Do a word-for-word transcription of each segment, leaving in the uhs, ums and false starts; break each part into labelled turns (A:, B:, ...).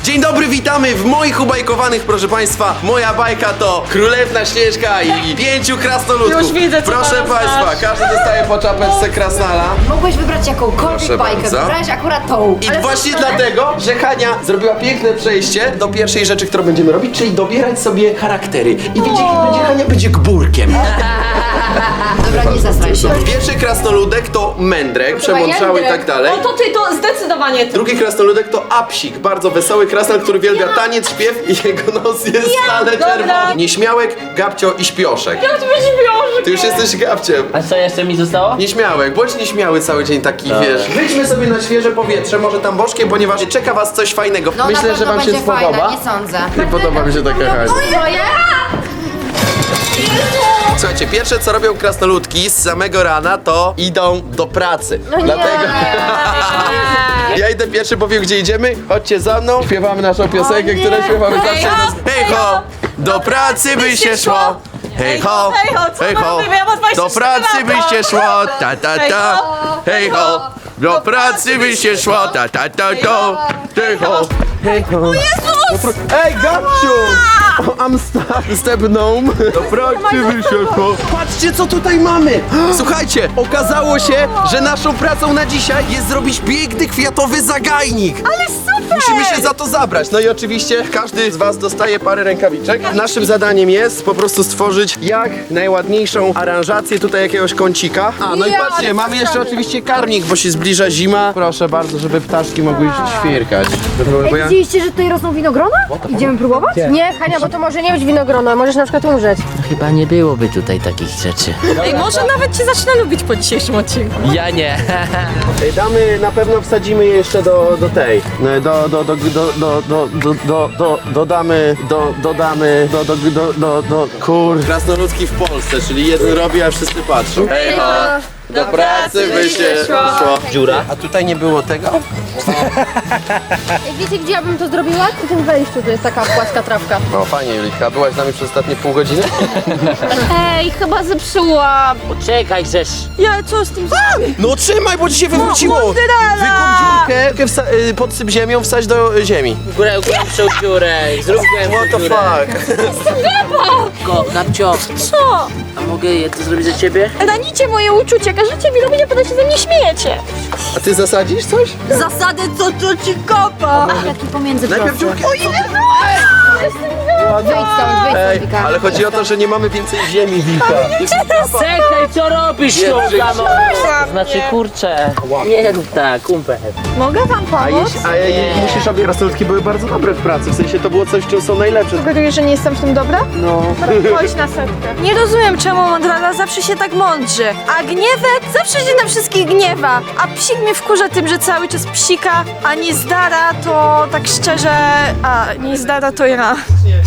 A: Dzień dobry, witamy w moich ubajkowanych, proszę państwa. Moja bajka to Królewna Śnieżka i pięciu krasnoludków.
B: Już widzę, co
A: proszę
B: teraz
A: państwa,
B: masz.
A: każdy dostaje po czapeczce krasnala.
C: Mogłeś wybrać jakąkolwiek
A: Proszę
C: bajkę,
A: bardzo.
C: wybrałeś akurat tą.
A: I
C: Ale
A: właśnie
C: super.
A: dlatego, że Hania zrobiła piękne przejście do pierwszej rzeczy, którą będziemy robić, czyli dobierać sobie charaktery. I wiecie, kim będzie Hania? Będzie gburkiem.
C: Dobra, nie zastraj się.
A: Pierwszy krasnoludek to mędrek, przemądrzały i tak dalej.
B: O, to ty, to zdecydowanie ty.
A: Drugi krasnoludek to Apsik, bardzo wesoły krasnal, który uwielbia taniec, śpiew i jego nos jest stale
B: dobra.
A: czerwony. Nieśmiałek, Gabcio i Śpioszek.
B: Ja tu będzie wiążek.
A: Ty już jesteś Gabciem.
D: A co jeszcze mi zostało?
A: Nieśmiałek, bądź nieśmiały cały dzień taki, wiesz. Wyjdźmy sobie na świeże powietrze, może tam bożkiem, ponieważ czeka was coś fajnego.
C: No
A: Myślę,
C: na
A: że
C: pewno
A: wam się
C: będzie
A: spodoba.
C: fajna, nie sądzę.
A: Nie podoba mi się taka Hania.
C: Moje?
A: Słuchajcie, pierwsze co robią krasnoludki z samego rana, to idą do pracy. Dlatego ja idę pierwszy, powiem gdzie idziemy. Chodźcie za mną, śpiewamy naszą piosenkę, którą śpiewamy
B: Hej
A: zawsze.
B: ho,
A: Hej ho, do pracy by się szło. Hej ho,
B: hej ho, co
A: hej
B: my
A: ho,
B: robimy? Ja mam dwadzieścia
A: do
B: cztery
A: pracy by
B: lata.
A: się szło, ta ta
B: Hej
A: ta.
B: ho,
A: Hej ho, do pracy by się szło, ta ta ta ta. Hej ho, hej ho. Ej, Gabciu! I'm stepną. Do pracy by się szło. Patrzcie, co tutaj mamy! Słuchajcie, okazało się, że naszą pracą na dzisiaj jest zrobić piękny kwiatowy zagajnik.
B: Ale super!
A: Musimy się za to zabrać. No i oczywiście każdy z was dostaje parę rękawiczek. Naszym zadaniem jest po prostu stworzyć jak najładniejszą aranżację tutaj jakiegoś kącika. A, no i
B: Ja,
A: patrzcie,
B: ale
A: mamy jeszcze
B: fajnie.
A: oczywiście karmnik, bo się zbliża zima. Proszę bardzo, żeby ptaszki mogły świerkać. Bo ja...
E: Widzieliście, że tutaj rosną winogrona? Idziemy próbować? Nie, Hania, bo to może nie być winogrona, możesz na przykład umrzeć.
D: Chyba nie byłoby tutaj takich rzeczy.
B: Ej, może nawet cię zacznę lubić po dzisiejszym odcinku.
D: Ja nie.
A: Ej, Damy, na pewno wsadzimy je jeszcze do, do tej. No, Do, do, do, do, do, do, do, do, do, dodamy, do, dodamy, do, do, do, do, do, kur... Krasnoludki w Polsce, czyli jeden robi, a wszyscy patrzą. Hej ho, do pracy by się szło.
D: Dziura.
A: A tutaj nie było tego?
E: Ej, wiecie, gdzie ja bym to zrobiła? Przy tym wejściu, to jest taka płaska trawka.
A: No fajnie, Julika, byłaś z nami przez ostatnie pół godziny?
E: Ej, chyba zepsułam.
D: Poczekaj, żeś.
B: Ja, co z tym zrobię?
A: No trzymaj, bo ci się wywróciło!
B: Mozzarella!
A: Wykup dziurkę, dziurkę wsa- y, podsyp ziemią, wsadź do y, ziemi.
D: Górę, głębszą dziurę. Zrób
A: What
D: głębszą
A: the
D: dziurę.
A: fuck?
D: Go, Gabcio,
B: Co?
D: a mogę je to zrobić za ciebie?
B: Ranicie moje uczucia, każecie mi robić, a potem się ze mnie śmiejecie.
A: A ty zasadzisz coś?
B: Zasady, co to ci kopa?
C: Taki pomiędzy
A: Najpierw
C: prosty.
A: dziurkę.
C: Wyjdź stąd, wyjdź
A: Ej,
C: stąd, Wika.
A: ale chodzi o to, że nie mamy więcej ziemi, Wika.
D: Czekaj, co robisz,
A: Nie,
D: sztuka, no?
B: Przepraszam,
D: To znaczy,
B: nie.
D: kurczę. Nie rób tak, kumpel.
B: Mogę wam
A: A,
B: pomóc?
A: jeśli, a je, musisz, obie krasnoludki były bardzo dobre w pracy, w sensie to było coś, w czym są najlepsze.
B: Sugerujesz, że nie jestem w tym dobra?
A: No.
B: Chodź na setkę. Nie rozumiem, czemu Mondrala zawsze się tak mądrzy, a Gniewek zawsze się na wszystkich gniewa, a Psik mnie wkurza tym, że cały czas psika, a Niezdara to tak szczerze, a Niezdara to ja.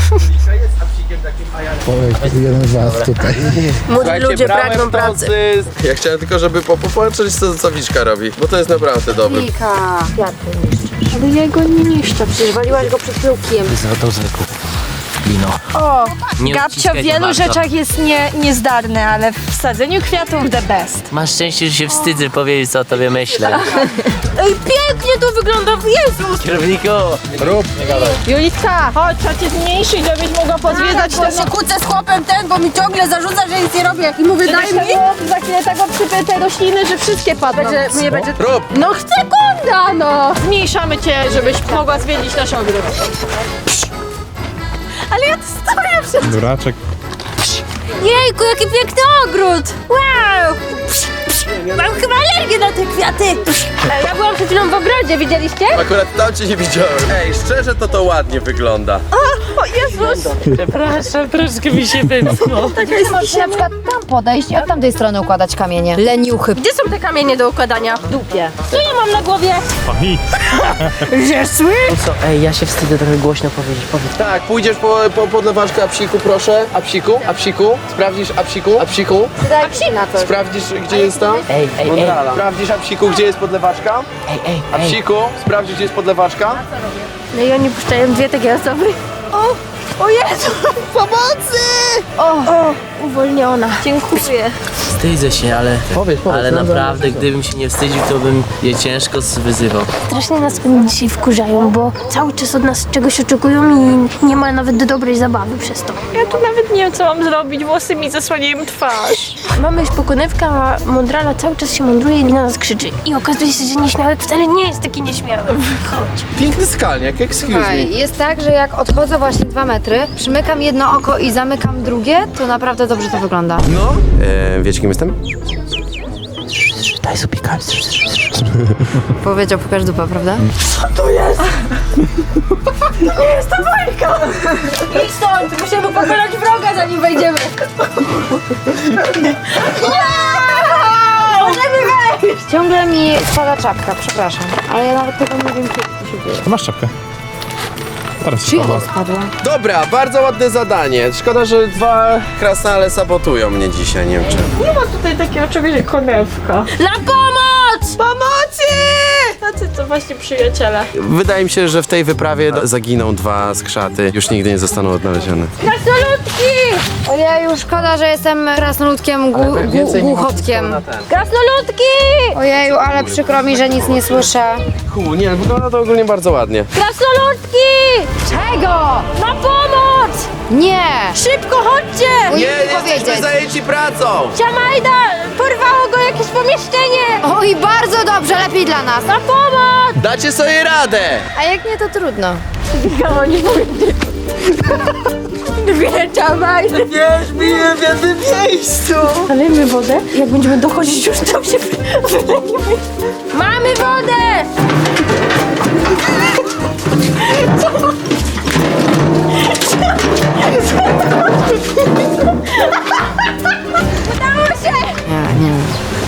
A: Młodzi ludzie pragną pracy. Ja chciałem tylko, żeby po- popatrzeć, co, co Wiczka robi, bo to jest naprawdę dobre.
C: Wika.
E: Ale ja go nie niszczę, przecież waliłaś go przed plukiem.
D: Złotą zwykłą. Lino.
B: O,
D: Nie
B: Gabcio w
D: uciskaj za
B: wielu
D: bardzo.
B: rzeczach jest nie, niezdarny, ale w sadzeniu kwiatów the best.
D: Masz szczęście, że się wstydzę powiedzieć, co o tobie myślę.
B: Ej, pięknie to wygląda, Jezus!
D: Kierowniku!
A: Rób.
B: Julitka, chodź, trzeba cię zmniejszyć, żebyś mogła pozwiedzać
E: Bo się kłócę z chłopem ten, bo mi ciągle zarzuca, że nic nie robię. I mówię, daj mi.
B: Za chwilę tak obsypię te rośliny, że wszystkie padną.
E: Będzie, mnie będzie...
A: Rób.
B: No sekunda, no! Zmniejszamy cię, żebyś mogła zwiedzić nasz ogród. Ale ja tu stoję przed...
F: Duraczek.
B: Jejku, jaki piękny ogród! Wow! Mam chyba alergię na te kwiaty!
E: Ej, ja byłam przed chwilą w ogrodzie, widzieliście?
A: Akurat tam cię nie widziałem. Ej, szczerze to to ładnie wygląda.
B: O Jezus!
D: Przepraszam, troszkę mi się wymknął.
C: Możesz na przykład tam podejść i od tamtej strony układać kamienie. Leniuchy.
E: Gdzie są te kamienie do układania? W dupie.
B: Co ja mam na głowie?
D: Co? Ej, ja się wstydzę trochę głośno powiedzieć. Powiedz.
A: Tak, pójdziesz po, po podlewaczkę Apsiku, proszę. Apsiku, Apsiku, sprawdzisz Apsiku, Apsiku.
E: Daj psi na coś.
A: Sprawdzisz, gdzie jest tam?
D: Ej, ej, ej.
A: Mondrala. Sprawdzisz Apsiku, gdzie jest podlewaczka?
D: Ej, ej, ej.
A: Apsiku, sprawdzisz, gdzie jest podlewaczka?
E: No i oni puszczają dwie takie osoby.
B: O! O Jezu! Pomocy! O, o uwolniona. Dziękuję.
D: Wstydzę się, ale,
A: Powiedz, powiedz,
D: ale
A: no,
D: naprawdę, gdybym się nie wstydził, to bym je ciężko wyzywał.
E: Strasznie nas oni dzisiaj wkurzają, bo cały czas od nas czegoś oczekują i nie ma nawet dobrej zabawy przez to.
B: Ja tu nawet nie wiem, co mam zrobić. Włosy mi zasłaniają twarz.
E: Mamy pokonywka, a Mondrala cały czas się mądruje i na nas krzyczy. I okazuje się, że nieśmiały wcale nie jest taki nieśmiały. Chodź.
A: Piękny skalniak, excuse me.
C: Słuchaj, jest tak, że jak odchodzę właśnie dwa metry, przymykam jedno oko i zamykam drugie, to naprawdę dobrze to wygląda.
A: No. E, wiecie kim jestem?
D: Daj sobie pikać.
C: Powiedział pokaż dupę, prawda?
E: Idź stąd! Musimy pokonać wroga, zanim wejdziemy.
C: Ciągle mi spada czapka, przepraszam, ale ja nawet tego nie wiem, kiedy to się dzieje.
F: To masz czapkę. Teraz się
C: Czyja
F: spadła.
C: spadła?
A: Dobra, bardzo ładne zadanie. Szkoda, że dwa krasnale sabotują mnie dzisiaj, nie wiem czemu.
B: Nie ma tutaj takiego czegoś jak konewka.
E: Na pomoc!
B: Pomocy! Tacy to właśnie przyjaciele.
A: Wydaje mi się, że w tej wyprawie zaginą dwa skrzaty. Już nigdy nie zostaną odnalezione.
E: Krasnoludki!
C: Ojeju, szkoda, że jestem krasnoludkiem, gu, gu, głuchotkiem.
E: Krasnoludki!
C: Ojeju, ale przykro mi, że nic nie słyszę.
A: Hu, nie, wygląda to ogólnie bardzo ładnie.
E: Krasnoludki!
C: Czego?
E: Na pomoc!
C: Nie!
B: Szybko, chodźcie!
C: Ujej,
A: Nie, jesteśmy
C: powiedzieć.
A: zajęci pracą!
E: Ciamajda! Porwało go jakieś pomieszczenie!
C: Oj, bardzo dobrze, lepiej dla nas.
E: Na pomoc!
A: Dacie sobie radę!
C: A jak nie, to trudno.
E: Gamo nie powiedzieć. Dwie Ciamajdy!
A: Nie, śpiję w jednym miejscu!
B: Nalejmy wodę. Jak będziemy dochodzić już, to się wylejemy.
E: Mamy wodę! Udało się!
C: Nie, nie.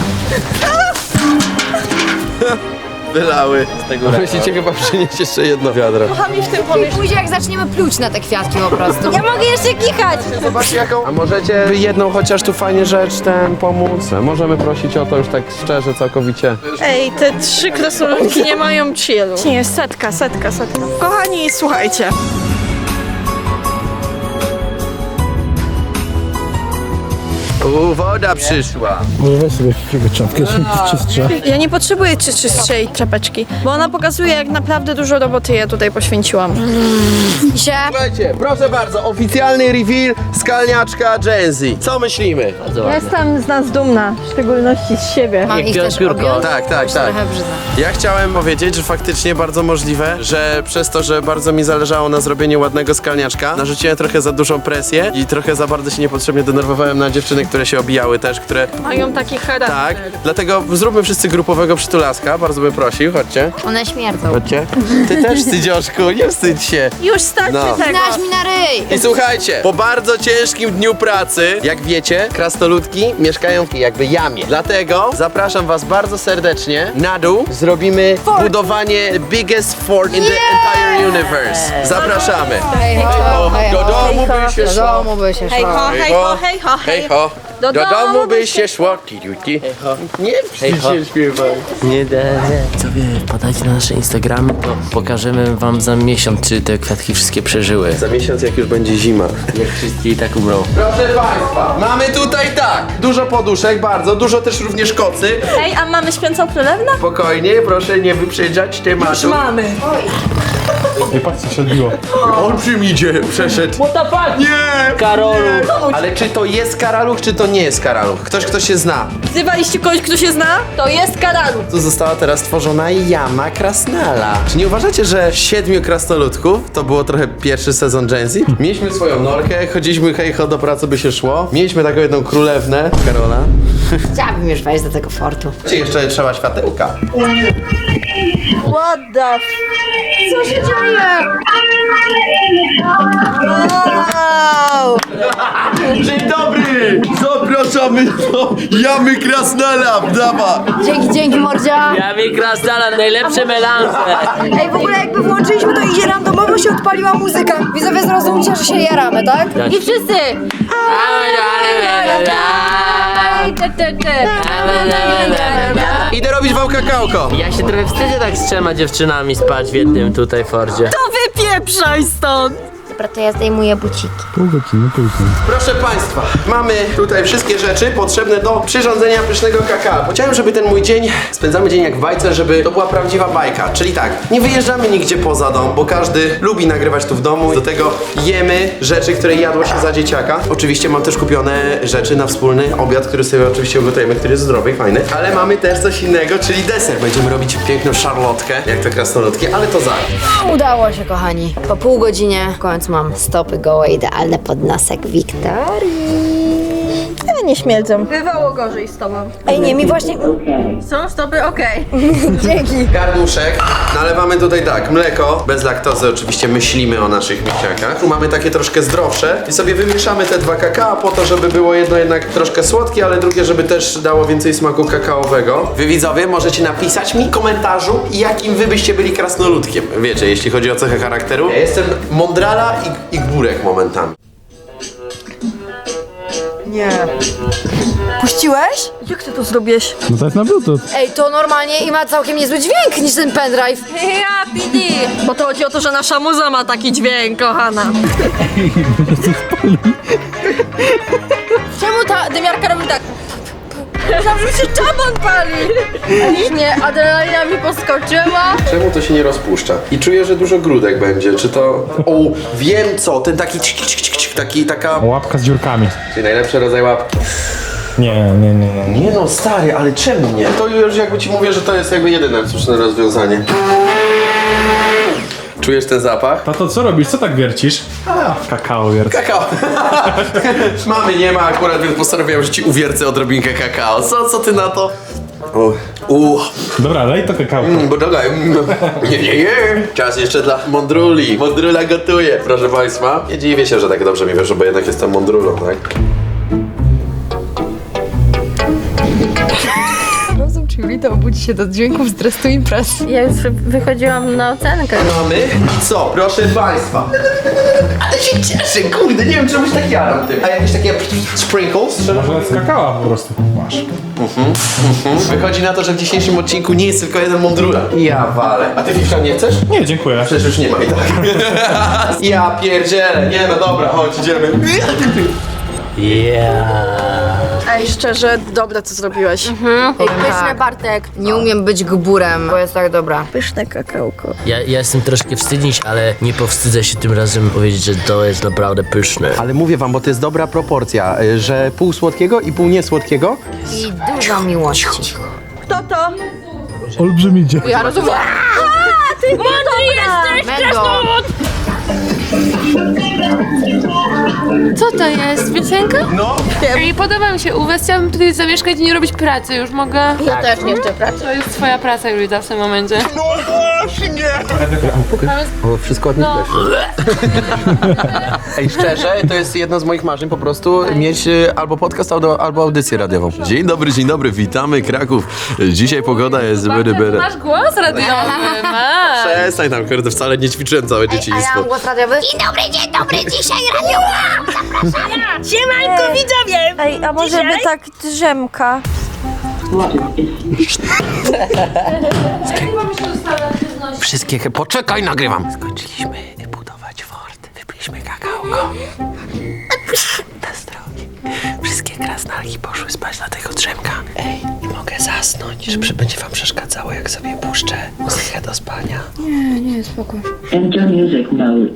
A: Wylały. Z tego musicie chyba przynieść jeszcze jedno wiadro.
B: Kochani w tym pomieszczeniu.
C: Później jak zaczniemy pluć na te kwiatki po prostu.
E: Ja mogę jeszcze kichać!
A: Zobacz jaką... A możecie jedną chociaż tu fajnie rzecz ten pomóc? Możemy prosić o to już tak szczerze, całkowicie.
B: Ej, te trzy krasnoludki nie mają chillu. Nie, setka, setka, setka. Kochani, słuchajcie.
A: U, woda przyszła.
F: Może weź sobie jakiegoś czapkę, czystsze.
B: Ja nie potrzebuję czy czystszej czapeczki, bo ona pokazuje, jak naprawdę dużo roboty ja tutaj poświęciłam.
C: się.
A: Słuchajcie, proszę bardzo, oficjalny reveal skalniaczka Genzy. Co myślimy?
D: Bardzo ładnie.
B: Jestem z nas dumna, w szczególności z siebie.
C: Mam
D: Jak
C: ich
D: pior-
C: też
D: piórko.
C: objąć?
A: Tak, tak,
C: Już
A: tak.
C: Trochę brzydzę.
A: Ja chciałem powiedzieć, że faktycznie bardzo możliwe, że przez to, że bardzo mi zależało na zrobieniu ładnego skalniaczka, narzuciłem trochę za dużą presję i trochę za bardzo się niepotrzebnie denerwowałem na dziewczyny, które się obijały też, które...
B: Mają taki charakter.
A: Tak, dlatego zróbmy wszyscy grupowego przytulaska, bardzo bym prosił, chodźcie.
C: One śmierdzą.
A: Chodźcie. Ty też, Stydzioszku, nie wstydź się.
B: Już starczy
A: No.
B: tego.
C: Znasz mi na ryj!
A: I słuchajcie, po bardzo ciężkim dniu pracy, jak wiecie, krasnoludki mieszkają w jakby jamie. Dlatego zapraszam was bardzo serdecznie na dół. Zrobimy budowanie biggest fort in the entire universe. Zapraszamy.
C: Hej ho,
A: O,
C: hej
A: do
C: ho.
A: domu by się
C: Do
A: szło.
C: domu by się
B: Hej
C: szło.
B: ho, hej ho, hej ho,
A: Hej ho.
B: Do
A: Do
B: domu
A: domu
B: by
A: by się szło. Ti, ti, ti. Nie
D: Hej ho.
A: się śpiewaj.
D: Nie, nie, nie. Co wy podajcie na nasze Instagramy, to pokażemy wam za miesiąc, czy te kwiatki wszystkie przeżyły.
A: Za miesiąc, jak już będzie zima.
D: Jak wszystkie i tak umrą.
A: Proszę państwa, mamy tutaj tak, dużo poduszek, bardzo, dużo też również kocy.
B: Ej, a mamy śpiącą królewną?
A: Spokojnie, proszę nie wyprzedzać tematu.
B: Mamy.
F: Ej, patrz co się odbiło.
A: Olbrzym idzie, przeszedł.
D: What the fuck?
A: Nie!
D: Karolu!
A: Ale czy to jest karaluch, czy to nie jest karaluch? Ktoś, kto się zna.
B: Wzywaliście kogoś, kto się zna? To jest karalu.
A: Tu została teraz stworzona jama krasnala. Czy nie uważacie, że siedmiu krasnoludków to było trochę pierwszy sezon Genzy? Mieliśmy swoją norkę, chodziliśmy hej ho, do pracy by się szło. Mieliśmy taką jedną królewnę, Karola.
C: Chciałabym już wejść do tego fortu.
A: Czy jeszcze trzeba światełka?
B: What the f... Co się dzieje? Wow!
A: Dzień dobry! Zapraszamy do jamy krasnala, brawa!
C: Dzięki, dzięki mordzia.
D: Ja mi krasnala, najlepsze melanże.
C: Ej, w ogóle jakby włączyliśmy to idzie randomowo się odpaliła muzyka. Widzowie zrozumcie, że się jaramy, tak?
E: I wszyscy!
A: Idę robić wam kakałko.
D: Ja się trochę wstydzę tak z trzema dziewczynami spać w jednym tutaj fordzie.
B: To wypieprzaj stąd!
C: Dobra, to ja zdejmuję buciki.
F: Pół godziny później.
A: Proszę Państwa, mamy tutaj wszystkie rzeczy potrzebne do przyrządzenia pysznego kakao. Chciałem, żeby ten mój dzień, spędzamy dzień jak w bajce, żeby to była prawdziwa bajka. Czyli tak, nie wyjeżdżamy nigdzie poza dom, bo każdy lubi nagrywać tu w domu. Do tego jemy rzeczy, które jadło się za dzieciaka. Oczywiście mam też kupione rzeczy na wspólny obiad, który sobie oczywiście ugotujemy, który jest zdrowy i fajny. Ale mamy też coś innego, czyli deser. Będziemy robić piękną szarlotkę, jak to krasnoludki, ale to za.
C: Udało się, kochani. Po pół godzinie w końcu mam stopy gołe, idealne pod nosek Wiktorii.
B: Ja nie śmierdzą. Bywało gorzej z tobą.
C: Ej, nie, mi właśnie...
B: Są stopy okej.
C: Dzięki.
A: Garnuszek. Nalewamy tutaj tak, mleko, bez laktozy oczywiście myślimy o naszych misiakach. Tu mamy takie troszkę zdrowsze i sobie wymieszamy te dwa kakao po to, żeby było jedno jednak troszkę słodkie, ale drugie, żeby też dało więcej smaku kakaowego. Wy widzowie możecie napisać mi w komentarzu, jakim wy byście byli krasnoludkiem. Wiecie, jeśli chodzi o cechę charakteru. Ja jestem mądrala i, i górek momentami.
B: Nie. Puściłeś? Jak ty to zrobiłeś?
F: No to jest na bluetooth.
C: Ej, to normalnie i ma całkiem niezły dźwięk niż ten pendrive.
B: Ja, Pidi! Bo to chodzi o to, że nasza muza ma taki dźwięk, kochana. Czemu ta dymiarka robi tak? Zawsze się czabon pali! Nie, adrenalina mi poskoczyła.
A: Czemu to się nie rozpuszcza? I czuję, że dużo grudek będzie. Czy to... O, wiem co, ten taki cik, cik, cik, cik, taki, taka...
F: Łapka z dziurkami.
A: Czyli najlepszy rodzaj łapki.
F: Nie, nie, nie, nie.
A: Nie no, stary, ale czemu nie? To już jakby ci mówię, że to jest jakby jedyne słuszne rozwiązanie. Czujesz ten zapach?
F: Tato, co robisz? Co tak wiercisz? A, kakao wiercę.
A: Kakao. Mamy nie ma akurat, więc postanowiłem, że ci uwiercę odrobinkę kakao. Co, co ty na to? O, u,
F: Dobra, lej to kakao.
A: mm, bo dobra, mm, nie, nie, nie. Czas jeszcze dla mądruli. Mądrula gotuje, proszę państwa. Nie dziwię się, że tak dobrze mi wyszło, bo jednak jestem mądrulą, tak?
C: Rozum czy Julita obudzi się do dźwięków z dresu imprez.
E: Ja już wychodziłam na ocenkę.
A: Mamy co? Proszę państwa. Ale się cieszę, kurde, nie wiem czemu się tak jaram tym. A jakieś takie sprinkles?
F: Może z kakao po prostu masz.
A: Wychodzi na to, że w dzisiejszym odcinku nie jest tylko jeden mądrula. Ja walę. A ty Fifka nie chcesz?
F: Nie, dziękuję.
A: Przecież już nie ma i tak. Ja pierdzielę. Nie no dobra, chodź, idziemy.
B: Ej, szczerze, dobre co zrobiłeś.
C: Ej, pyszne, Bartek. Nie umiem być gburem, bo jest tak dobra.
B: Pyszne kakałko.
D: Ja, ja jestem troszkę wstydzić, ale nie powstydzę się tym razem powiedzieć, że to jest naprawdę pyszne.
A: Ale mówię wam, bo to jest dobra proporcja, że pół słodkiego i pół niesłodkiego.
C: I dużo miłości.
B: Kto to?
F: Olbrzymi dzień.
C: Ja rozumiem.
E: Mądry jesteś,
C: Mendo.
G: Co to jest? Piosenka?
A: No.
G: Ej, podoba mi się u was, chciałabym tutaj zamieszkać i nie robić pracy, już mogę?
B: Ja też nie chcę pracy.
G: To jest twoja praca, Julita, w tym momencie.
A: No właśnie! O, wszystko od nich
G: No.
A: Ej, szczerze, to jest jedno z moich marzeń po prostu mieć y, albo podcast, albo, albo audycję radiową. Dzień dobry, dzień dobry, witamy Kraków. Dzisiaj pogoda jest byry, byry.
G: Masz głos radiowy, masz.
A: Przestań tam, kurde, wcale nie ćwiczyłem całe
C: A ja
A: dzieciństwo.
C: mam głos radiowy?
E: Siemanko, widzowie!
B: Ej, a może by tak drzemka?
A: Wszystkie... Poczekaj, nagrywam. Skończyliśmy budować fort, wypiliśmy kakałko. Bez drogi. Wszystkie krasnalki poszły spać na tego drzemka. Ej, nie mogę zasnąć, że będzie wam przeszkadzało, jak sobie puszczę muzykę do spania.
C: Nie, nie, spoko.
H: Enter music mode.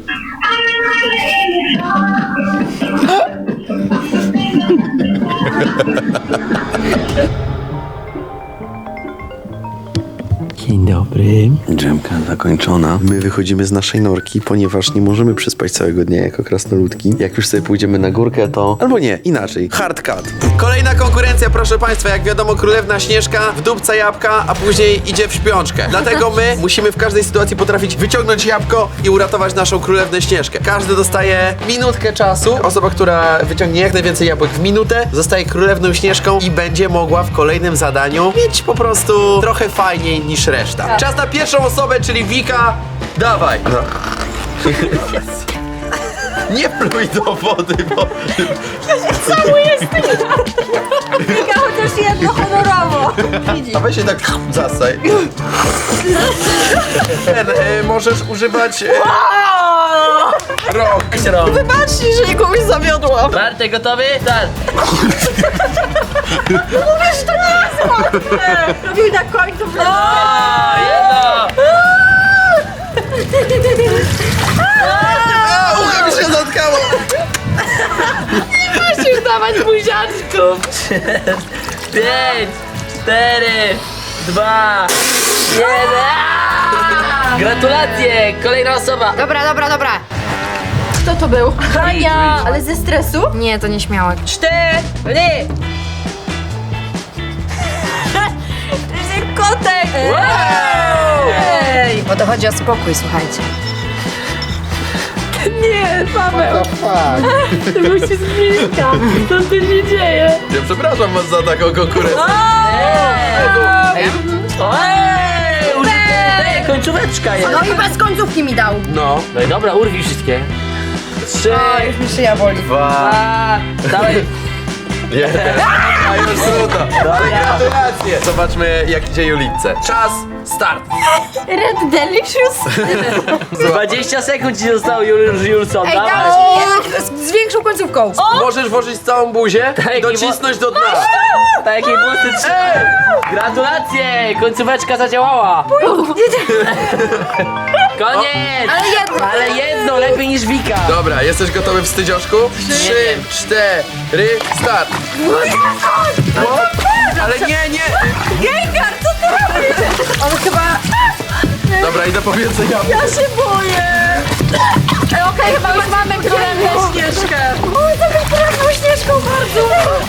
A: Dzień dobry. Drzemka zakończona. My wychodzimy z naszej norki, ponieważ nie możemy przespać całego dnia jako krasnoludki. Jak już sobie pójdziemy na górkę, to... Albo nie, inaczej. Hard cut. Kolejna konkurencja, proszę państwa. Jak wiadomo, królewna Śnieżka wdupca jabłka, a później idzie w śpiączkę. Dlatego my musimy w każdej sytuacji potrafić wyciągnąć jabłko i uratować naszą królewnę Śnieżkę. Każdy dostaje minutkę czasu. Osoba, która wyciągnie jak najwięcej jabłek w minutę, zostaje królewną Śnieżką i będzie mogła w kolejnym zadaniu mieć po prostu trochę fajniej niż reszta. Czas na pierwszą osobę, czyli Wika. Dawaj. No. Nie pluj do wody, bo...
B: Wika chociaż jedno honorowo.
A: A weź się tak zasaj. Ten, e, możesz używać... E, rok.
D: rąk.
B: Wybaczcie, że kogoś zawiodłam.
D: Bartek, gotowy? Tak.
B: Mówisz, to nie jest łatwe. Robił na końcu w
D: O, jedno.
A: A, ucho mi się zatkało!
D: Musisz dawać buziaczków. Pięć, cztery, dwa, jeden. Gratulacje, kolejna osoba.
C: Dobra, dobra, dobra.
B: Kto to był? Hania, ale ze stresu?
C: Nie, to nieśmiałek.
B: Cztery. Że kotek. Ej.
C: Bo to chodzi o spokój, słuchajcie.
G: Nie, Paweł, to był się z bliska. Co tu się dzieje?
A: Ja przepraszam was za taką konkurencję.
D: Ej, użyte, końcóweczka jest.
C: No i bez końcówki mi dał.
A: No.
D: No i dobra, urwij wszystkie. Trzy,
C: Już mi szyja boli.
D: dwa, dawaj.
A: Jeden. A już trudno. No ale gratulacje. Zobaczmy jak idzie Julitce. Czas, start.
B: Red Delicious.
D: dwadzieścia sekund ci zostało, Jul Julson.
C: Ej,
D: Dawaj.
C: dawaj, z większą końcówką.
A: Możesz włożyć całą buzię
D: Tak,
A: i docisnąć do dna.
D: Takie włosy trzy. Gratulacje, końcóweczka zadziałała. Koniec.
C: Ale jedno.
D: Ale jedno, lepiej niż Wika.
A: Dobra, jesteś gotowy wstydzioszku? Trzy, cztery, start. Ale nie, nie.
B: Gengar, co ty robisz? On chyba...
A: Dobra, idę po więcej jabłek.
B: Ja się boję. Ej, okej, chyba już mamy królewną Śnieżkę. Oj, taką królewną Śnieżką bardzo.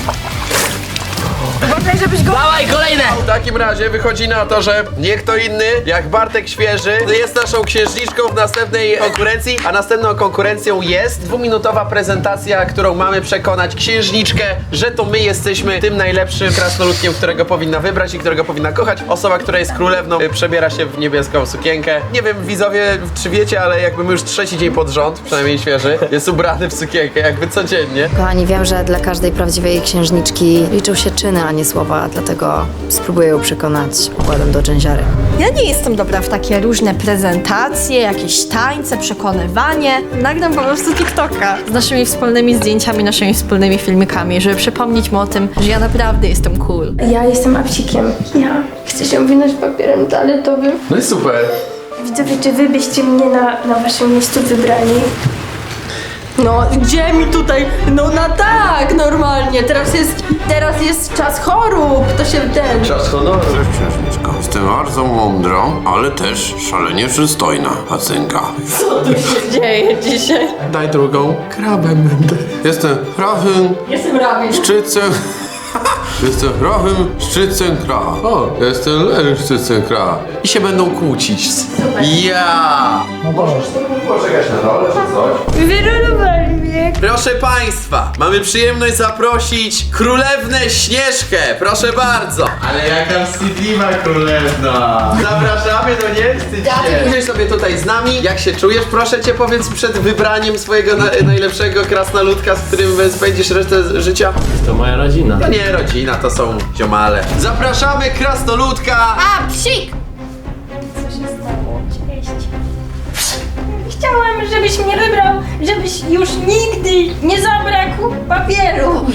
B: Uważaj, żebyś go...
D: Dawaj, kolejne.
A: W takim razie wychodzi na to, że nie kto inny jak Bartek Świeży jest naszą księżniczką w następnej konkurencji, a następną konkurencją jest dwuminutowa prezentacja, którą mamy przekonać księżniczkę, że to my jesteśmy tym najlepszym krasnoludkiem, którego powinna wybrać i którego powinna kochać. Osoba, która jest królewną, y, przebiera się w niebieską sukienkę. Nie wiem, widzowie, czy wiecie, ale jakby my już trzeci dzień pod rząd, przynajmniej Świeży, jest ubrany w sukienkę, jakby codziennie.
C: Kochani, wiem, że dla każdej prawdziwej księżniczki liczą się czyny, a nie słowa, dlatego spróbuję ją przekonać układem do dżęziary.
B: Ja nie jestem dobra w takie różne prezentacje, jakieś tańce, przekonywanie. Nagram po prostu TikToka z naszymi wspólnymi zdjęciami, naszymi wspólnymi filmikami, żeby przypomnieć mu o tym, że ja naprawdę jestem cool.
E: Ja jestem apsikiem. Ja chcę się owinąć papierem toaletowym.
A: No i super.
E: Widzowie, czy wy byście mnie na, na waszym miejscu wybrali?
B: No, gdzie mi tutaj? No na tak, normalnie. Teraz jest, teraz jest czas chorób, to się ten...
A: Czas honoru.
I: Księżniczko, jestem bardzo mądrą, ale też szalenie przystojna pacynka.
B: Co tu się dzieje dzisiaj?
A: Daj drugą. Krabem będę.
I: Jestem prawym
B: Jestem rabin.
I: szczycem... Jestem prawym szczycem kra. O, jestem lewym szczycem kra.
A: I się będą kłócić. Ja! Możesz poczekać na dole, czy coś?
E: Wyrolowali mnie.
A: Proszę Państwa, mamy przyjemność zaprosić Królewnę Śnieżkę. Proszę bardzo. Ale jaka wstydliwa królewna. Zapraszamy, no nie wstydź się. Usiądź sobie tutaj z nami. Jak się czujesz? Proszę Cię, powiedz przed wybraniem swojego na, najlepszego krasnoludka, z którym spędzisz resztę życia.
D: To moja rodzina.
A: To nie rodzina, to są ziomale. Zapraszamy krasnoludka.
C: A, psik!
E: Co się stało? Cześć. Chciałam, żebyś mnie wybrał, żebyś już nigdy nie zabrakł papieru.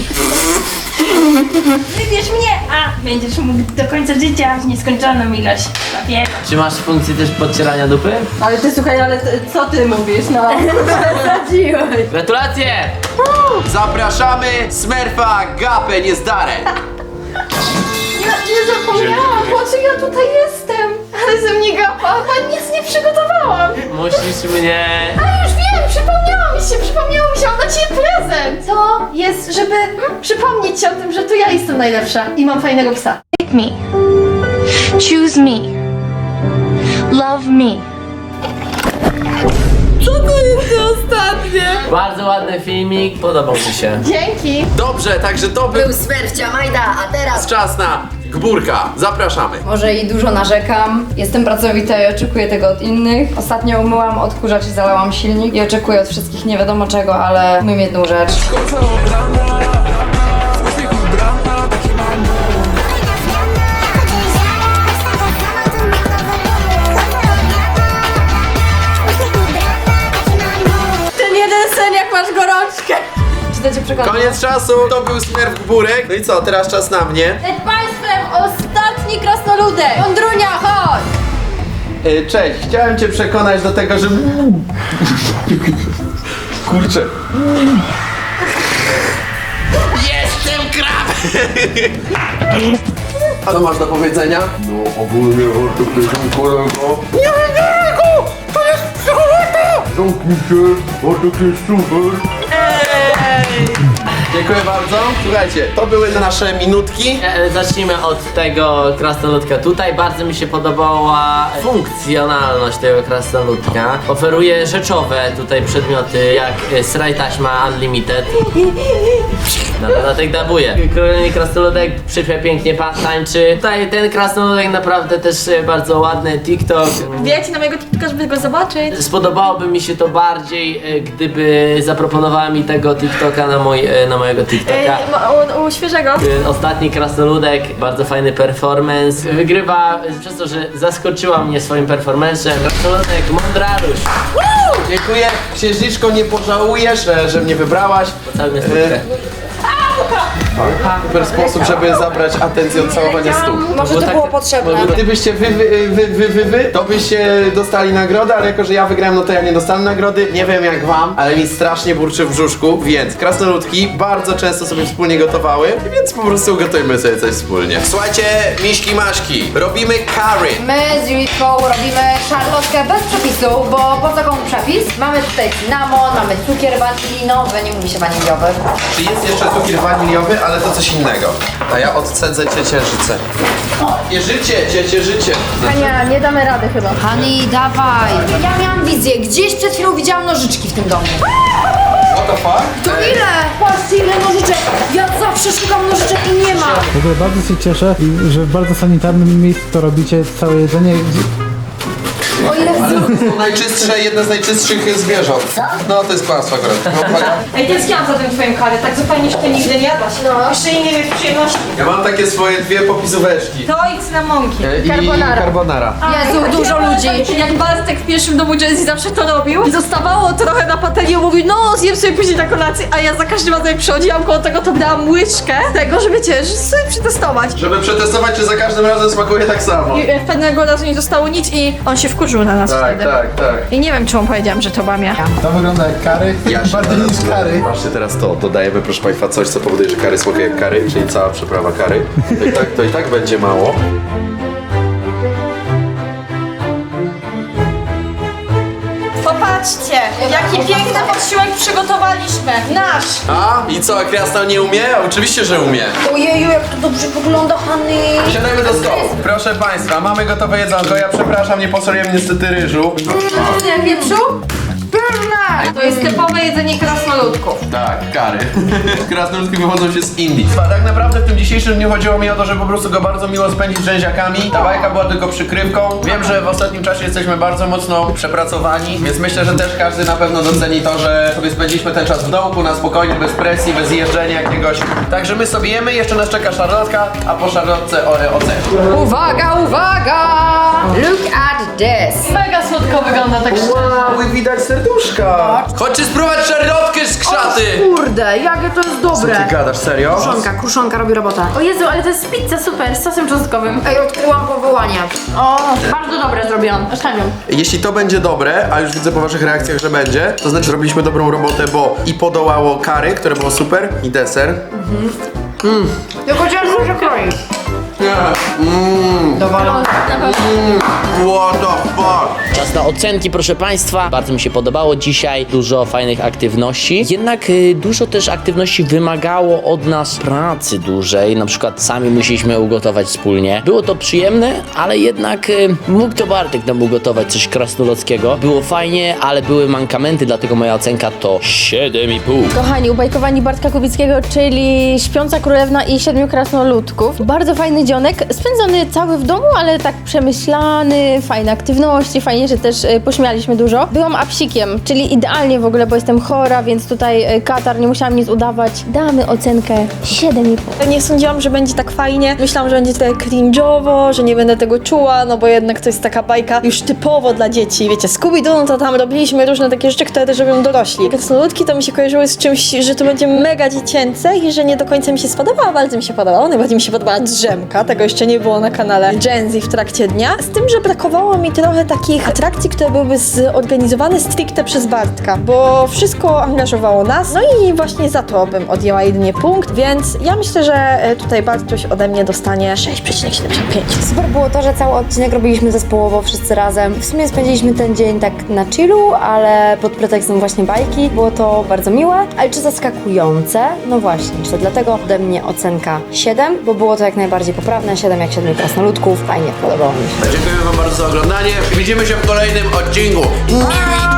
E: Wybierz mnie, a będziesz mógł do końca życia w nieskończoną ilość papieru.
D: Czy masz funkcję też podcierania dupy?
B: Ale ty słuchaj, ale ty, co ty mówisz, no? Zadziłeś.
D: Gratulacje!
A: Zapraszamy Smurfa Gapę Niezdarę.
B: Ja nie zapomniałam, po co ja tutaj jestem? Ale ze mnie gapa, a nic nie przygotowałam.
D: Musisz mnie...
B: A już wiem, przypomniało mi się, przypomniało mi się, mam dla ciebie prezent. To jest, żeby mm, przypomnieć ci o tym, że to ja jestem najlepsza i mam fajnego psa.
E: Pick me. Choose me. Love me.
B: Co to jest to ostatnie?
D: Bardzo ładny filmik, podobał mi się.
B: Dzięki.
A: Dobrze, także to był
C: Był Smerfcia Majda, a teraz...
A: czas na Gburka. Zapraszamy.
C: Może i dużo narzekam. Jestem pracowita i oczekuję tego od innych. Ostatnio umyłam odkurzacz i zalałam silnik i oczekuję od wszystkich nie wiadomo czego, ale umiem jedną rzecz.
B: Ten jeden sen
C: Czy to cię przekona?
A: Koniec czasu, to był Smurf Burek. No i co, teraz czas na mnie.
C: Przed państwem ostatni krasnoludek! Wądrunia, chodź!
A: Yy, cześć, chciałem cię przekonać do tego, że... Kurczę. Jestem krab! A co masz do powiedzenia?
I: No ogólnie to jest kolego.
A: Nie wiem, to jest psychopata!
I: Zamknij się, bo to jest super.
A: Dziękuję bardzo. Słuchajcie, to były nasze minutki.
D: E, Zacznijmy od tego krasnoludka. Tutaj bardzo mi się podobała funkcjonalność tego krasnoludka. Oferuje rzeczowe tutaj przedmioty jak e, sraj taśma Unlimited. No, dlatego dabuję. Kolejny krasnoludek przypie pięknie pa- tańczy. Tutaj ten krasnoludek naprawdę też e, bardzo ładny. TikTok.
B: Wbijajcie na mojego TikToka, żeby go zobaczyć.
D: Spodobałoby mi się to bardziej, e, gdyby zaproponowała mi tego TikToka na, mój, e, na mojego
B: Ej,
D: TikToka.
B: u, u świeżego.
D: Ten Ostatni krasnoludek, bardzo fajny performance. Wygrywa przez to, że zaskoczyła mnie swoim performancem. Krasnoludek Mondraluś.
A: Dziękuję. Księżniczko, nie pożałujesz, że, że mnie wybrałaś.
D: Cały stówkę.
A: Super sposób, żeby zabrać atencję od całowania stóp.
C: Może to
D: tak-
C: było potrzebne.
A: Gdybyście wy, wy, wy, wy, wy, wy, to byście dostali nagrodę, ale jako, że ja wygrałem, no to ja nie dostanę nagrody. Nie wiem jak wam, ale mi strasznie burczy w brzuszku, więc krasnoludki bardzo często sobie wspólnie gotowały, więc po prostu gotujmy sobie coś wspólnie. Słuchajcie, miśki maśki, robimy curry.
C: My z Julitką robimy szarlotkę bez przepisu, bo po co komu przepis? Mamy tutaj cynamon, mamy cukier wanilinowy, nie mówi się waniliowy.
A: Czy jest jeszcze cukier waniliowy, ale to coś innego. A ja odcedzę ciecierzycę. Ciecierzycie, ciecierzycie.
C: Hania, nie damy rady chyba. Hani, dawaj. Ja miałam wizję, gdzieś przed chwilą widziałam nożyczki w tym domu.
A: What the fuck?
C: To ile? Patrzcie ile nożyczek! Ja zawsze szukam nożyczek i nie ma!
F: W ogóle bardzo się cieszę, że w bardzo sanitarnym miejscu to robicie całe jedzenie.
C: O ile
A: To są najczystsze, jedne z najczystszych zwierząt. No to jest kłamstwo akurat. No, uwaga.
B: Ej, tęskniłam za tym twoim karę, tak zupełnie się to nigdy nie jadłaś. No. Jeszcze innej mieć przyjemności.
A: Ja mam takie swoje dwie popisóweczki.
B: To i cynamonki.
A: I carbonara. carbonara.
C: Jezu, dużo ludzi.
B: Jak Bartek w pierwszym domu Jazzy zawsze to robił i zostawało trochę na patelni, mówił, no zjem sobie później na kolację, a ja za każdym razem jak przychodziłam koło tego, to brałam łyżkę tego, że wiecie, że sobie przetestować.
A: Żeby przetestować, czy za każdym razem smakuje tak samo.
B: I e, pewnego razu nie zostało nic i on się wkurzył na nas
A: Tak,
B: wtedy.
A: tak, tak.
B: I nie wiem, czemu powiedziałam, że to byłam ja.
F: To wygląda jak kary, bardziej niż kary.
A: Patrzcie teraz to, dodajemy proszę Państwa coś, co powoduje, że kary smakuje jak kary, czyli cała przyprawa kary. To i tak, to i tak będzie mało.
B: Popatrzcie, jaki piękny posiłek przygotowaliśmy. Nasz.
A: A? I co, Krasnal nie umie? Oczywiście, że umie.
C: Ojeju, jak to dobrze wygląda, Hany.
A: Siadajmy do stołu. Proszę Państwa, mamy gotowe jedzonko. Ja przepraszam, nie posoliłem niestety ryżu.
C: Nie wieprzu? Pyszne!
B: To jest typowe jedzenie krasnoludków.
A: Tak, kary. Krasnoludki wychodzą się z Indii. Tak naprawdę w tym dzisiejszym dniu chodziło mi o to, żeby po prostu go bardzo miło spędzić z rzęziakami. Ta bajka była tylko przykrywką. Wiem, że w ostatnim czasie jesteśmy bardzo mocno przepracowani, więc myślę, że też każdy na pewno doceni to, że sobie spędziliśmy ten czas w domu, na spokojnie, bez presji, bez jeżdżenia jakiegoś. Także my sobie jemy, jeszcze nas czeka szarlotka, a po szarlotce o, ocena.
C: Uwaga, uwaga! Look at this!
B: Mega słodko wygląda tak szczerze.
A: Wow, i widać serduszka. Chodźcie spróbować szarlotkę z krzaty.
C: Kurde, jakie to jest dobre!
A: Ty gadasz, serio?
C: Kruszonka, kruszonka robi robotę.
E: O Jezu, ale to jest pizza super, z sosem czosnkowym.
C: Ej, odkryłam powołanie.
E: O, bardzo dobre zrobiłam, oszczędziam.
A: Jeśli to będzie dobre, a już widzę po waszych reakcjach, że będzie, to znaczy, że robiliśmy dobrą robotę, bo i podołało kary, które było super, i deser.
C: Tylko ciężko się kroi.
A: Mmm,
C: Dowalone.
A: what the fuck?
D: Czas na ocenki, proszę Państwa. Bardzo mi się podobało dzisiaj. Dużo fajnych aktywności. Jednak y, dużo też aktywności wymagało od nas pracy dużej. Na przykład sami musieliśmy ugotować wspólnie. Było to przyjemne, ale jednak y, mógł to Bartek nam ugotować coś krasnoludzkiego. Było fajnie, ale były mankamenty, dlatego moja ocenka to siedem i pół.
E: Kochani, ubajkowani Bartka Kubickiego, czyli Śpiąca Królewna i Siedmiu Krasnoludków. Bardzo fajny dzień. spędzionek, spędzony cały w domu, ale tak przemyślany, fajne aktywności, fajnie, że też y, pośmialiśmy dużo. Byłam apsikiem, czyli idealnie w ogóle, bo jestem chora, więc tutaj y, katar, nie musiałam nic udawać. Damy ocenkę siedem i pół.
B: Nie sądziłam, że będzie tak fajnie. Myślałam, że będzie trochę cringe'owo, że nie będę tego czuła, no bo jednak to jest taka bajka już typowo dla dzieci. Wiecie, Scooby-Doo, no to tam robiliśmy różne takie rzeczy, które też robią dorośli. Krasnoludki to mi się kojarzyły z czymś, że to będzie mega dziecięce i że nie do końca mi się spodobało. Bardzo mi się podobało. Najbardziej mi się podobała drzemka. Tego jeszcze nie było na kanale Gen Z w trakcie dnia. Z tym, że brakowało mi trochę takich atrakcji, które byłyby zorganizowane stricte przez Bartka, bo wszystko angażowało nas. No i właśnie za to bym odjęła jedynie punkt, więc ja myślę, że tutaj Bartuś ode mnie dostanie sześć przecinek siedemdziesiąt pięć.
C: Super było to, że cały odcinek robiliśmy zespołowo, wszyscy razem. W sumie spędziliśmy ten dzień tak na chillu, ale pod pretekstem właśnie bajki. Było to bardzo miłe, ale czy zaskakujące? No właśnie, czy to dlatego ode mnie ocenka siedem, bo było to jak najbardziej poprawne, siedem jak siedmiu krasnoludków. Fajnie, podobało mi się.
A: Dziękuję wam bardzo za oglądanie. Widzimy się w kolejnym odcinku.